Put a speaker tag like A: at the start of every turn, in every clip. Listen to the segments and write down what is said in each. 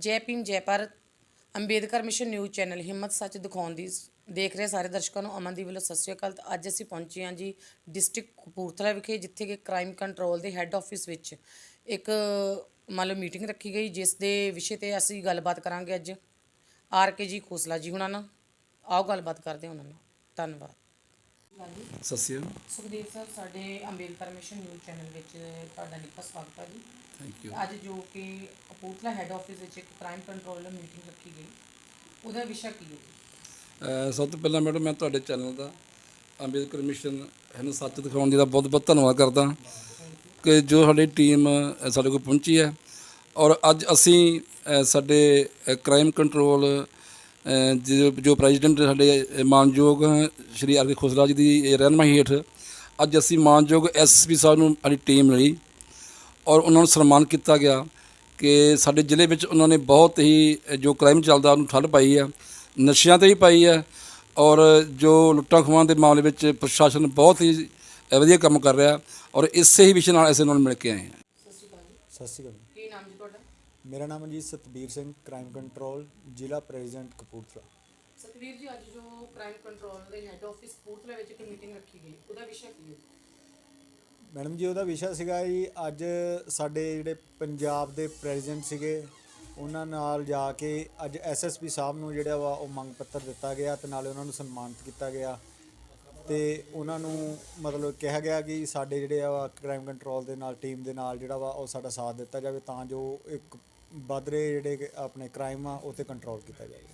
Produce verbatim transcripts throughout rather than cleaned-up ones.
A: ਜੈ ਭੀਮ ਜੈ Bharat. Ambedkar mission news channel ਹਿੰਮਤ ਸੱਚ ਦਿਖਾਉਣ ਦੀ ਦੇਖ ਰਹੇ ਸਾਰੇ ਦਰਸ਼ਕਾਂ ਨੂੰ ਅਮਨਦੀਪ ਵੱਲੋਂ ਸਤਿ ਸ਼੍ਰੀ ਅਕਾਲ। ਤਾਂ ਅੱਜ ਅਸੀਂ ਪਹੁੰਚੇ ਹਾਂ ਜੀ ਡਿਸਟ੍ਰਿਕਟ ਕਪੂਰਥਲਾ ਵਿਖੇ, ਜਿੱਥੇ ਕਿ ਕ੍ਰਾਈਮ ਕੰਟਰੋਲ ਦੇ ਹੈੱਡ ਆਫਿਸ ਵਿੱਚ ਇੱਕ ਮੰਨ ਲਓ ਮੀਟਿੰਗ ਰੱਖੀ ਗਈ, ਜਿਸ ਦੇ ਵਿਸ਼ੇ 'ਤੇ ਅਸੀਂ ਗੱਲਬਾਤ ਕਰਾਂਗੇ ਅੱਜ ਆਰ ਕੇ ਜੀ ਖੋਸਲਾ ਜੀ ਹੁਣਾਂ ਨਾਲ। ਆਓ ਗੱਲਬਾਤ ਕਰਦੇ ਹਾਂ ਉਹਨਾਂ ਨਾਲ। ਧੰਨਵਾਦ।
B: ਸਤਿ ਸ਼੍ਰੀ ਅਕਾਲ।
A: ਸੁਖਦੇਵ ਸਰ, ਸਾਡੇ ਅੰਬੇਦਕਰ ਮਿਸ਼ਨ ਨਿਊਜ਼ ਚੈਨਲ ਵਿੱਚ ਤੁਹਾਡਾ ਨਿੱਘਾ ਸਵਾਗਤ ਹੈ ਜੀ।
B: Thank you.
A: ਅੱਜ ਜੋ ਕਿ ਕਪੂਰਥਲਾ ਹੈੱਡ ਆਫਿਸ ਵਿੱਚ ਇੱਕ ਕ੍ਰਾਈਮ ਕੰਟਰੋਲ ਮੀਟਿੰਗ ਰੱਖੀ ਗਈ, ਉਹਦਾ ਵਿਸ਼ਾ ਕੀ ਹੈ?
B: ਸਭ ਤੋਂ ਪਹਿਲਾਂ ਮੈਡਮ ਮੈਂ ਤੁਹਾਡੇ ਚੈਨਲ ਦਾ ਅੰਬੇਦਕਰ ਮਿਸ਼ਨ ਇਹਨੂੰ ਸੱਚ ਦਿਖਾਉਣ ਦੀ ਦਾ ਬਹੁਤ ਬਹੁਤ ਧੰਨਵਾਦ ਕਰਦਾ ਕਿ ਜੋ ਸਾਡੀ ਟੀਮ ਸਾਡੇ ਕੋਲ ਪਹੁੰਚੀ ਹੈ। ਔਰ ਅੱਜ ਅਸੀਂ ਅ, ਸਾਡੇ ਕ੍ਰਾਈਮ ਕੰਟਰੋਲ ਜੋ ਜੋ ਪ੍ਰੈਜ਼ੀਡੈਂਟ ਸਾਡੇ ਮਾਨਯੋਗ ਸ਼੍ਰੀ ਆਰ ਕੇ ਖੋਸਲਾ ਜੀ ਦੀ ਰਹਿਨੁਮਾਈ ਹੇਠ ਅੱਜ ਅਸੀਂ ਮਾਨਯੋਗ ਐਸ ਪੀ ਸਾਹਿਬ ਨੂੰ ਸਾਡੀ ਟੀਮ ਮਿਲੀ ਔਰ ਉਹਨਾਂ ਨੂੰ ਸਨਮਾਨ ਕੀਤਾ ਗਿਆ ਕਿ ਸਾਡੇ ਜ਼ਿਲ੍ਹੇ ਵਿੱਚ ਉਹਨਾਂ ਨੇ ਬਹੁਤ ਹੀ ਜੋ ਕ੍ਰਾਈਮ ਚੱਲਦਾ ਉਹਨੂੰ ਠੱਲ੍ਹ ਪਾਈ ਹੈ, ਨਸ਼ਿਆਂ 'ਤੇ ਹੀ ਪਾਈ ਹੈ। ਔਰ ਜੋ ਲੁੱਟਾਂ ਖੋਹਾਂ ਦੇ ਮਾਮਲੇ ਵਿੱਚ ਪ੍ਰਸ਼ਾਸਨ ਬਹੁਤ ਹੀ ਵਧੀਆ ਕੰਮ ਕਰ ਰਿਹਾ ਔਰ ਇਸੇ ਹੀ ਵਿਸ਼ੇ ਨਾਲ ਅਸੀਂ ਉਹਨਾਂ ਨੂੰ ਮਿਲ ਕੇ ਆਏ ਹਾਂ।
A: ਸਤਿ ਸ਼੍ਰੀ ਅਕਾਲ ਜੀ।
C: ਸਤਿ ਸ਼੍ਰੀ ਅਕਾਲ।
A: ਕੀ ਨਾਮ ਜੀ ਤੁਹਾਡਾ?
C: ਮੇਰਾ ਨਾਮ ਹੈ ਜੀ ਸਤਬੀਰ ਸਿੰਘ, ਕ੍ਰਾਈਮ ਕੰਟਰੋਲ ਜ਼ਿਲ੍ਹਾ ਪ੍ਰੈਜ਼ੀਡੈਂਟ ਕਪੂਰਥਲਾ।
A: ਸਤਵੀਰ ਜੀ, ਅੱਜ ਜੋ ਕ੍ਰਾਈਮ ਕੰਟਰੋਲ ਦੇ ਹੈੱਡ ਆਫਿਸ ਕਪੂਰਥਲਾ ਵਿੱਚ ਇੱਕ ਮੀਟਿੰਗ ਰੱਖੀ ਗਈ, ਉਹਦਾ ਵਿਸ਼ਾ ਕੀ ਹੈ?
C: ਮੈਡਮ ਜੀ, ਉਹਦਾ ਵਿਸ਼ਾ ਸੀਗਾ ਜੀ ਅੱਜ ਸਾਡੇ ਜਿਹੜੇ ਪੰਜਾਬ ਦੇ ਪ੍ਰੈਜ਼ੀਡੈਂਟ ਸੀਗੇ ਉਹਨਾਂ ਨਾਲ ਜਾ ਕੇ ਅੱਜ ਐਸ ਐਸ ਪੀ ਸਾਹਿਬ ਨੂੰ ਜਿਹੜਾ ਵਾ ਉਹ ਮੰਗ ਪੱਤਰ ਦਿੱਤਾ ਗਿਆ ਅਤੇ ਨਾਲੇ ਉਹਨਾਂ ਨੂੰ ਸਨਮਾਨਿਤ ਕੀਤਾ ਗਿਆ ਅਤੇ ਉਹਨਾਂ ਨੂੰ ਮਤਲਬ ਕਿਹਾ ਗਿਆ ਕਿ ਸਾਡੇ ਜਿਹੜੇ ਆ ਕ੍ਰਾਈਮ ਕੰਟਰੋਲ ਦੇ ਨਾਲ ਟੀਮ ਦੇ ਨਾਲ ਜਿਹੜਾ ਵਾ ਉਹ ਸਾਡਾ ਸਾਥ ਦਿੱਤਾ ਜਾਵੇ ਤਾਂ ਜੋ ਇੱਕ ਵੱਧ ਰਹੇ ਜਿਹੜੇ ਆਪਣੇ ਕ੍ਰਾਈਮ ਆ ਉਹ 'ਤੇ ਕੰਟਰੋਲ ਕੀਤਾ ਜਾਵੇ।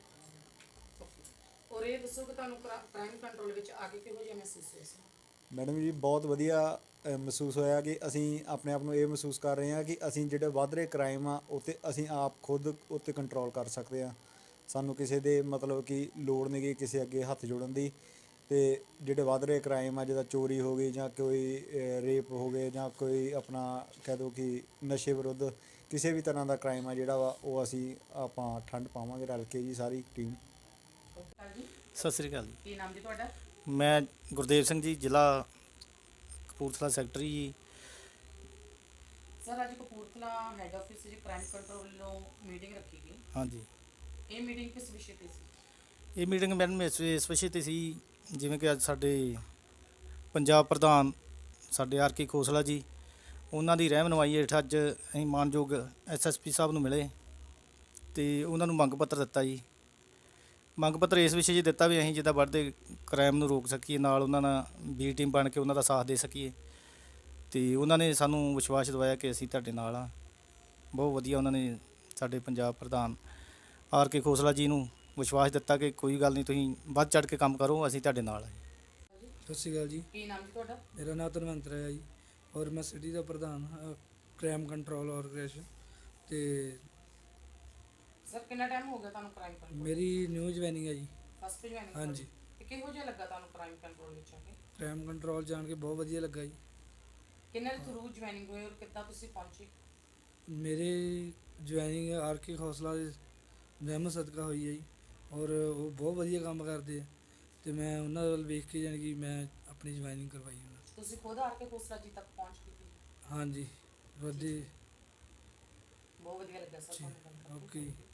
A: ਔਰ ਇਹ ਦੱਸੋ ਕਿ ਤੁਹਾਨੂੰ ਕ੍ਰਾਈਮ ਕੰਟਰੋਲ ਵਿੱਚ ਆ ਕੇ ਕਿਹੋ ਜਿਹਾ ਮਹਿਸੂਸ ਹੋਇਆ ਸੀ?
C: ਮੈਡਮ ਜੀ, ਬਹੁਤ ਵਧੀਆ ਅ, ਮਹਿਸੂਸ ਹੋਇਆ ਕਿ ਅਸੀਂ ਆਪਣੇ ਆਪ ਨੂੰ ਇਹ ਮਹਿਸੂਸ ਕਰ ਰਹੇ ਹਾਂ ਕਿ ਅਸੀਂ ਜਿਹੜੇ ਵੱਧ ਰਹੇ ਕ੍ਰਾਈਮ ਆ ਉਹ 'ਤੇ ਅਸੀਂ ਆਪ ਖੁਦ ਉੱਤੇ ਕੰਟਰੋਲ ਕਰ ਸਕਦੇ ਹਾਂ। ਸਾਨੂੰ ਕਿਸੇ ਦੇ ਮਤਲਬ ਕਿ ਲੋੜ ਨਹੀਂ ਗਈ ਕਿਸੇ ਅੱਗੇ ਹੱਥ ਜੋੜਨ ਦੀ। ਅਤੇ ਜਿਹੜੇ ਵੱਧ ਰਹੇ ਕ੍ਰਾਈਮ ਆ ਜਿੱਦਾਂ ਚੋਰੀ ਹੋ ਗਈ ਜਾਂ ਕੋਈ ਰੇਪ ਹੋ ਗਏ ਜਾਂ ਕੋਈ ਆਪਣਾ ਕਹਿ ਦਿਓ ਕਿ ਨਸ਼ੇ ਵਿਰੁੱਧ ਕਿਸੇ ਵੀ ਤਰ੍ਹਾਂ ਦਾ ਕ੍ਰਾਈਮ ਆ ਜਿਹੜਾ ਵਾ ਉਹ ਅਸੀਂ ਆਪਾਂ ਠੰਡ ਪਾਵਾਂਗੇ ਰਲ ਕੇ ਜੀ ਸਾਰੀ ਟੀਮ।
D: ਸਤਿ ਸ਼੍ਰੀ ਅਕਾਲ ਜੀ।
A: ਕੀ ਨਾਮ ਜੀ ਤੁਹਾਡਾ?
D: ਮੈਂ ਗੁਰਦੇਵ ਸਿੰਘ ਜੀ, ਜ਼ਿਲ੍ਹਾ ਕਪੂਰਥਲਾ ਸੈਕਟਰੀ ਜੀ।
A: ਸਰ, ਅੱਜ ਕਪੂਰਥਲਾ ਹੈੱਡ ਆਫਿਸ ਵਿੱਚ ਕ੍ਰਾਈਮ ਕੰਟਰੋਲ ਵੱਲੋਂ ਮੀਟਿੰਗ ਰੱਖੀ ਗਈ।
D: ਹਾਂਜੀ,
A: ਇਹ ਮੀਟਿੰਗ ਕਿਸ ਵਿਸ਼ੇ 'ਤੇ ਸੀ?
D: ਇਹ ਮੀਟਿੰਗ ਮੈਡਮ ਇਸ ਇਸ ਵਿਸ਼ੇ 'ਤੇ ਸੀ ਜਿਵੇਂ ਕਿ ਅੱਜ ਸਾਡੇ ਪੰਜਾਬ ਪ੍ਰਧਾਨ ਸਾਡੇ ਆਰ ਕੇ ਖੋਸਲਾ ਜੀ, ਉਹਨਾਂ ਦੀ ਰਹਿਨੁਮਾਈ ਹੇਠ ਅੱਜ ਅਸੀਂ ਮਾਨਯੋਗ ਐਸ ਐਸ ਪੀ ਸਾਹਿਬ ਨੂੰ ਮਿਲੇ ਅਤੇ ਉਹਨਾਂ ਨੂੰ ਮੰਗ ਪੱਤਰ ਦਿੱਤਾ ਜੀ। ਮੰਗ ਪੱਤਰ ਇਸ ਵਿਸ਼ੇ 'ਚ ਦਿੱਤਾ ਵੀ ਅਸੀਂ ਜਿੱਦਾਂ ਵੱਧਦੇ ਕ੍ਰਾਈਮ ਨੂੰ ਰੋਕ ਸਕੀਏ, ਨਾਲ ਉਹਨਾਂ ਨਾਲ ਬੀ ਟੀਮ ਬਣ ਕੇ ਉਹਨਾਂ ਦਾ ਸਾਥ ਦੇ ਸਕੀਏ ਅਤੇ ਉਹਨਾਂ ਨੇ ਸਾਨੂੰ ਵਿਸ਼ਵਾਸ ਦਿਵਾਇਆ ਕਿ ਅਸੀਂ ਤੁਹਾਡੇ ਨਾਲ ਹਾਂ। ਬਹੁਤ ਵਧੀਆ ਉਹਨਾਂ ਨੇ ਸਾਡੇ ਪੰਜਾਬ ਪ੍ਰਧਾਨ ਆਰ ਕੇ ਖੋਸਲਾ ਜੀ ਨੂੰ ਵਿਸ਼ਵਾਸ ਦਿੱਤਾ ਕਿ ਕੋਈ ਗੱਲ ਨਹੀਂ, ਤੁਸੀਂ ਵੱਧ ਚੜ੍ਹ ਕੇ ਕੰਮ ਕਰੋ, ਅਸੀਂ ਤੁਹਾਡੇ ਨਾਲ ਹਾਂ।
E: ਸਤਿ ਸ਼੍ਰੀ ਅਕਾਲ ਜੀ।
A: ਕੀ ਨਾਮ ਜੀ ਤੁਹਾਡਾ?
E: ਮੇਰਾ ਨਾਮ ਧਨਵੰਤ ਹੈ ਜੀ ਔਰ ਮੈਂ ਸਿਟੀ ਦਾ ਪ੍ਰਧਾਨ ਹਾਂ ਕ੍ਰਾਈਮ ਕੰਟਰੋਲ ਆਰਗੇਨਾਈਜੇਸ਼ਨ। ਅਤੇ
A: ਸਰ, ਕਿੰਨਾ ਟਾਈਮ ਹੋ ਗਿਆ ਤੁਹਾਨੂੰ ਕ੍ਰਾਈਮ ਕੰਟਰੋਲ?
E: ਮੇਰੀ ਨਿਊ ਜੁਆਇਨਿੰਗ ਹੈ ਜੀ।
A: First joining?
E: ਹਾਂਜੀ।
A: ਤੇ ਕਿਹੋ ਜਿਹਾ ਲੱਗਾ ਤੁਹਾਨੂੰ ਕ੍ਰਾਈਮ ਕੰਟਰੋਲ ਵਿੱਚ ਆ ਕੇ?
E: ਕ੍ਰਾਈਮ ਕੰਟਰੋਲ ਜਾਣ ਕੇ ਬਹੁਤ ਵਧੀਆ ਲੱਗਾ ਜੀ।
A: ਕਿੰਨੇ ਦੇ ਥਰੂ ਜੁਆਇਨਿੰਗ ਹੋਈ ਔਰ ਕਿੱਦਾਂ ਤੁਸੀਂ ਪਹੁੰਚੇ?
E: ਮੇਰੇ ਜੁਆਇਨਿੰਗ ਆਰ ਕੇ ਖੋਸਲਾ ਦੇ ਰਹਿਮਤ ਸਦਕਾ ਹੋਈ ਹੈ ਜੀ ਔਰ ਉਹ ਬਹੁਤ ਵਧੀਆ ਕੰਮ ਕਰਦੇ ਆ ਅਤੇ ਮੈਂ ਉਹਨਾਂ ਵੱਲ ਵੇਖ ਕੇ ਜਾਣੀ ਕਿ ਮੈਂ ਆਪਣੀ ਜੁਆਇਨਿੰਗ ਕਰਵਾਈ ਉਹਨਾਂ।
A: ਤੁਸੀਂ ਖੁਦ ਆਰ ਕੇ ਖੋਸਲਾ ਜੀ ਤੱਕ ਪਹੁੰਚ ਕੀਤੀ?
E: ਹਾਂਜੀ, ਵਧੀਆ।
A: ਬਹੁਤ ਵਧੀਆ ਲੱਗਾ ਸਰ ਤੁਹਾਨੂੰ।
E: ਓਕੇ।